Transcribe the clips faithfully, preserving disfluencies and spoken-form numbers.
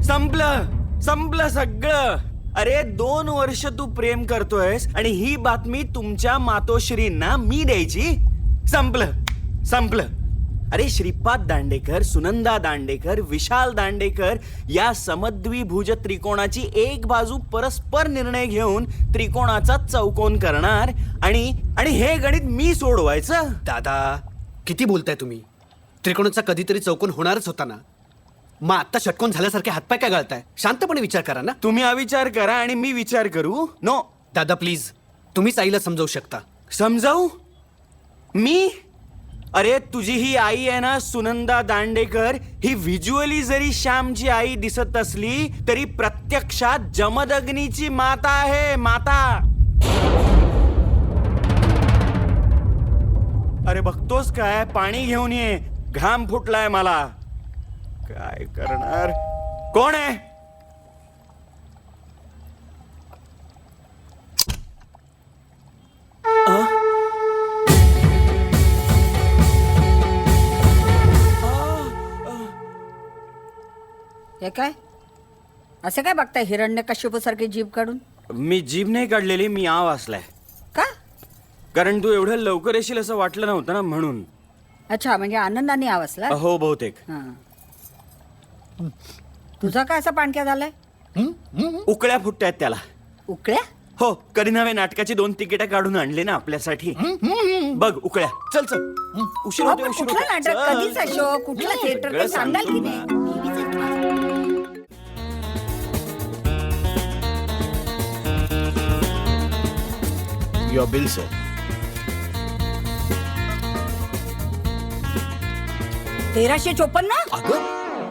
संपलं संपलं सगळं. अरे दोन वर्ष तू प्रेम करतोयस आणि ही बातमी तुमच्या मातोश्रींना मी द्यायची. संपलं संपलं. अरे श्रीपाद दांडेकर, सुनंदा दांडेकर, विशाल दांडेकर या समद्विभुज त्रिकोणाची एक बाजू परस्पर निर्णय घेऊन त्रिकोणाचा चौकोन करणार आणि आणि हे गणित मी सोडवायचं. दादा किती बोलताय तुम्ही? त्रिकोणाचा कधीतरी चौकोन होणारच होता ना. मग आता षटकोन झाल्यासारखे हातपाय काय घालताय? शांतपणे विचार करा ना. तुम्ही अविचार करा आणि मी विचार करू. नो दादा प्लीज, तुम्हीच आईला समजावू शकता. समजावू मी? अरे तुझी ही आई आहे ना सुनंदा दांडेकर, ही व्हिज्युअली जरी श्यामची आई दिसत असली तरी प्रत्यक्षात जमदग्नीची माता आहे. माता. अरे बघतोस काय? पाणी घेऊन ये, घाम फुटलाय मला. काय करणार? कोण आहे? हे काय असं काय बघताय हिरण्यकश्यपू सारखी जीभ काढून? मी जीभ नाही काढलेली, मी आव असलाय. का? कारण तू एवढं लवकर येशील असं वाटलं नव्हतं ना म्हणून. अच्छा, म्हणजे आनंदाने आवाजला. हो बहुतेक. तुझा काय असा पाणक्या झालाय? उकळ्या फुटतायत त्याला. उकळ्या? हो, कधी नव्हे नाटकाची दोन तिकीट काढून आणले ना आपल्यासाठी. बघ उकळ्या. चल चल, उशीर अहो, होते पण उशीर कुठलं होते. नाटक, चल. कधीचा शो, कुठलं थिएटर सगळं ते सांगाल की सांगतो नाही? Your bill, sir. तेराशे चोपन्न. अगं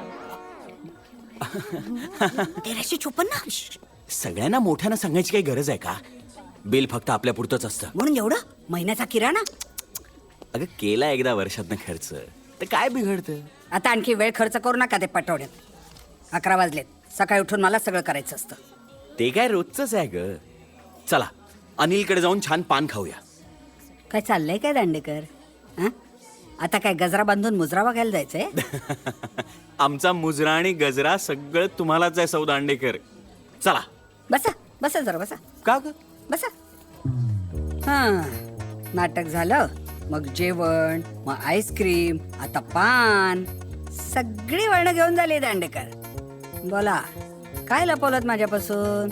तेराशे चोपन्न सगळ्यांना मोठ्यानं सांगायची काही गरज आहे का? बिल फक्त आपल्या पुरतच असतं. म्हणून एवढं महिन्याचा किराणा. अगं केला एकदा वर्षातनं खर्च तर काय बिघडतं? आता आणखी वेळ खर्च करू नका ते पटवण्यात. अकरा वाजलेत. सकाळी उठून मला सगळं करायचं असतं. ते काय रोजच आहे ग. चला अनिलकडे जाऊन छान पान खाऊया. काय चाललंय काय दांडेकर? हं? आता काय गजरा बांधून मुजरा बघायला जायचंय? आमचा मुजरा आणि गजरा सगळं तुम्हालाच आहे सौ दांडेकर. चला बसा बसा जरा बसा. का ग? बसा. हा, नाटक झालं, मग जेवण, मग आईस्क्रीम, आता पान, सगळी वर्ण घेऊन झाली दांडेकर. बोला, काय लपवलं माझ्यापासून?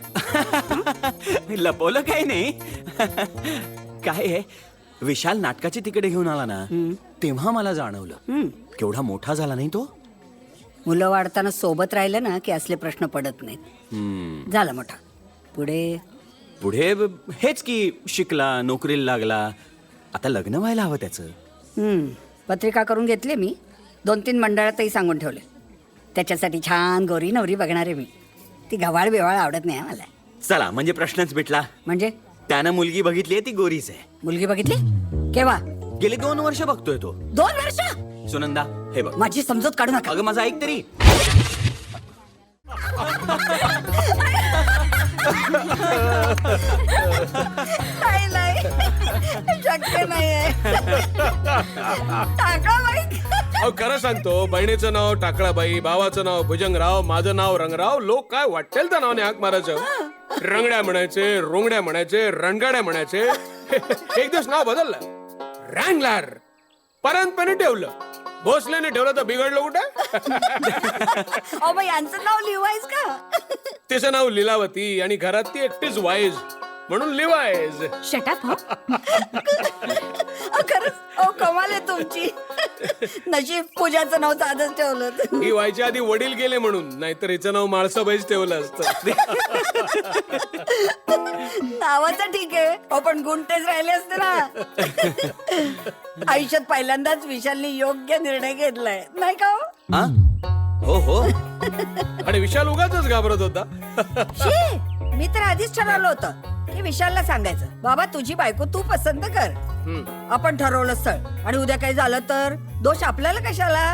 लपवलं काही नाही. काय आहे, विशाल नाटकाची तिकडे घेऊन आला ना तेव्हा मला जाणवलं केवढा मोठा झाला नाही तो. मुलं वाढताना सोबत राहिलं ना की असले प्रश्न पडत नाहीत. झाला मोठा. पुढे पुढे हेच की शिकला, नोकरीला लागला. आता लग्न व्हायला हवं त्याचं. हम्म, पत्रिका करून घेतली मी. दोन तीन मंडळातही सांगून ठेवले. त्याच्यासाठी छान गोरी नवरी बघणारे मी. ती गव्हाळ बिवाळ आवडत नाही मला. चला म्हणजे प्रश्नच मिटला. म्हणजे त्यानं मुलगी बघितली आहे, ती गोरीच आहे. मुलगी बघितली? केव्हा? गेली दोन वर्ष बघतोय तो. दोन वर्ष? सुनंदा हे बघ. माझी समजूत काढू नका. अगं माझं ऐक तरी. नाही नाही, शक्य नाहीये. टाकळाबाई. अहो खरं सांगतो, बहिणीचं नाव टाकळाबाई, भावाचं नाव भुजंगराव, माझं नाव रंगराव. लोक काय वाटेल त्या नावाने हाक मारायचं. रंगड्या म्हणायचे, रोंगड्या म्हणायचे, रणगाड्या म्हणायचे. एक दिवस नाव बदललं, रँगलर. परंतपणे ठेवलं. भोसलेने ठेवलं तर बिघडलं कुठे? अहो बाई, यांचं नाव लिवायच का? तिचं नाव लीलावती आणि घरात ती एकटीच वाईज म्हणून लिवायज. शटअप. खरंच अहो कमाल आहे तुमची. नशीब पूजाचं नाव साधच ठेवलं. ही व्हायच्या आधी वडील गेले म्हणून, नाहीतर हिचं नाव माळसाबाईच ठेवलं असतं. नावाचं ठीक आहे, अहो पण गुण तेच राहिले असते ना. आयुष्यात पहिल्यांदाच विशालने योग्य निर्णय घेतलाय नाही का? हा? हो हो. आणि विशाल उगाचच घाबरत होता. शी, मी तर आधीच ठरवलं होतं की विशालला सांगायचं, बाबा तुझी बायको तू पसंत कर. आपण ठरवलं स्थळ आणि उद्या काही झालं तर दोष आपल्याला कशाला?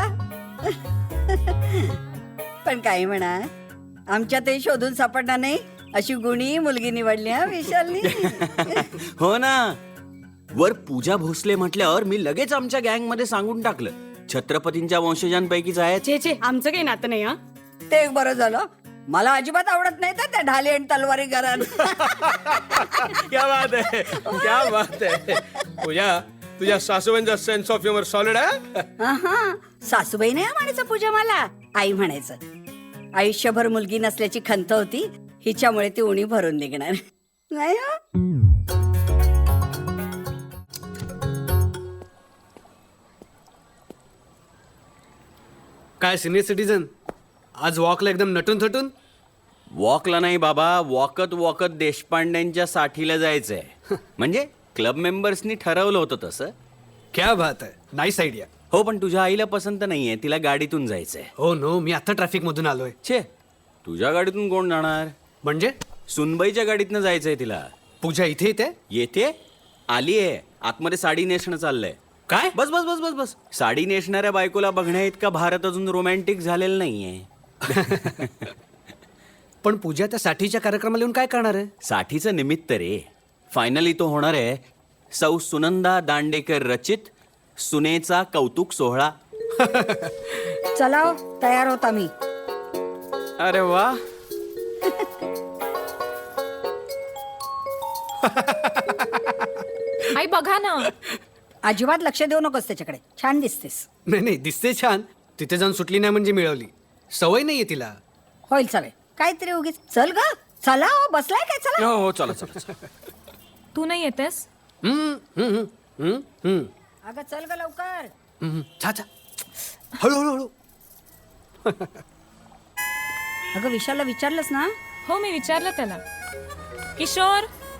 पण काही म्हणा, आमच्यातही शोधून सापडणार नाही अशी गुणी मुलगी निवडली हा विशालनी. हो ना. वर पूजा भोसले म्हटल्यावर मी लगेच आमच्या गँग मध्ये सांगून टाकलं, छत्रपतींच्या वंशजांपैकीच आहे. छे छे, आमचं काही नातं नाही. हा ते एक बरं झालं. मला अजिबात आवडत नाही तर त्या ढाली आणि तलवारी घरात. क्या बात आहे क्या बात आहे पूजा, तुझ्या सासूबाईंचा सेन्स ऑफ ह्युमर सॉलिड आहे. आहा, सासूबाई नाही म्हणायचं पूजा, मला आई म्हणायचं. आयुष्यभर मुलगी नसल्याची खंत होती, हिच्यामुळे ती उणी भरून निघणार नाही हं? काय सिनियर सिटीजन, आज वॉकला एकदम नटून थटून. वॉकला नाही बाबा, वॉकत वॉकत देशपांड्यांच्या साठीला जायचंय. म्हणजे क्लब मेंबर्सनी ठरवलं होतं तसं. क्या बात आहे, नाईस आयडिया. हो, पण तुझ्या आईला पसंत नाहीये, तिला गाडीतून जायचंय. हो नो, मी आता ट्रॅफिक मधून आलोय. छे, तुझ्या गाडीतून कोण जाणार? म्हणजे सुनबाईच्या गाडीतनं जायचंय तिला. पूजा इथे येते. येते आलीये, आतमध्ये साडी नेसणं चाललंय. काय? बस बस बस बस बस साडी नेसणाऱ्या बायकोला बघण्या इतका भारत अजून रोमॅन्टिक झालेला नाहीये. पण पूजा त्या साठीच्या कार्यक्रमाला येऊन काय करणार आहे? साठीचं निमित्त रे. फायनली तो होणार आहे सौ सुनंदा दांडेकर रचित सुनेचा कौतुक सोहळा. चला हो, तयार होता मी. अरे वा. आई बघा ना. अजिबात लक्ष देऊ नकोस त्याच्याकडे. छान दिसतेस. नाही नाही, दिसते छान. तिथे जाऊन सुटली नाही म्हणजे मिळवली. सवय नाहीये तिला. होईल चालेल. काहीतरी उगीच. चल ग, चला हो, बसलाय काय? चला. हो हो चला चला चला. तू नाही येतेस? हम्म, हम्म, हम्म, हम्म, अगं चल ग लवकर. हम्म. छा छा, हळू हळू हळू. अगं विशालला विचारलंस ना? हो, मी विचारलं त्याला. किशोर,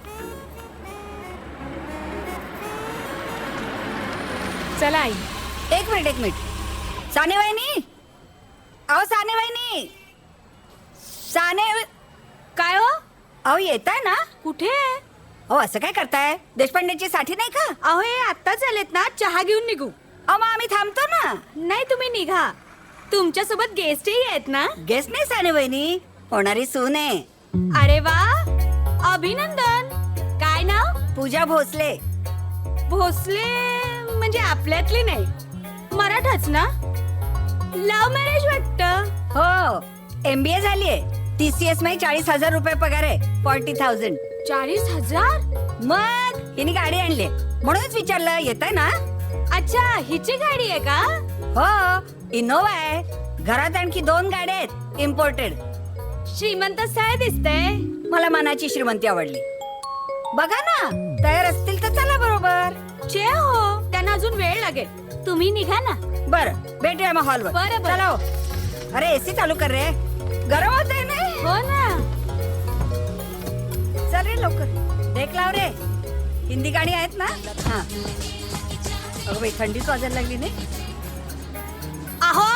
चला आई. एक मिनिट एक मिनिट. साने वहिनी, अहो साने वहिनी, साने काय हो? अहो येताय ना? कुठे? अहो असं काय करताय? देशपांडेची साठी नाही का? अहो हे आत्ताच आलेत ना, चहा घेऊन निघू. अहो मग आम्ही थांबतो ना. नाही, तुम्ही निघा. तुमच्या सोबत गेस्टही आहेत ना? गेस्ट नाही साने वहिनी, होणारी सून आहे. अरे वा, अभिनंदन. काय नाव? पूजा भोसले. भोसले म्हणजे आपल्यातली नाही, मराठाच ना? लव्ह मॅरेज वाटतं. हो, एमबीए झालीये. टीसीएस मध्ये चाळीस हजार रुपये पगार आहे. Forty thousand. चाळीस हजार? मग हिने गाडी आणली म्हणूनच विचारलं, येताय ना? अच्छा, हिची गाडी आहे का? हो, इनोवा आहे. घरात आणखी दोन गाड्या आहेत इम्पोर्टेड. श्रीमंत स्थळ दिसतंय. मला मनाची श्रीमंती आवडली. बघा ना, तयार असतील तर चला बरोबर. चे हो, त्यांना अजून वेळ लागेल. तुम्ही निघा ना. बरं, भेटूया मग हॉलवर. बरं, बरं. चला हो. अरे एसी चालू कर रे, गरम होत आहे ना. हो ना. चल रे लवकर. देख लाव रे, हिंदी गाणी आहेत ना? हा. अगं बाई, थंडीच वाजायला लागली नाही. अहो,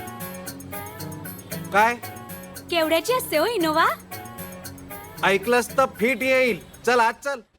काय केवढ्याची असते हो इनोवा? ऐकलंस तर फिट येईल. चल आज चल.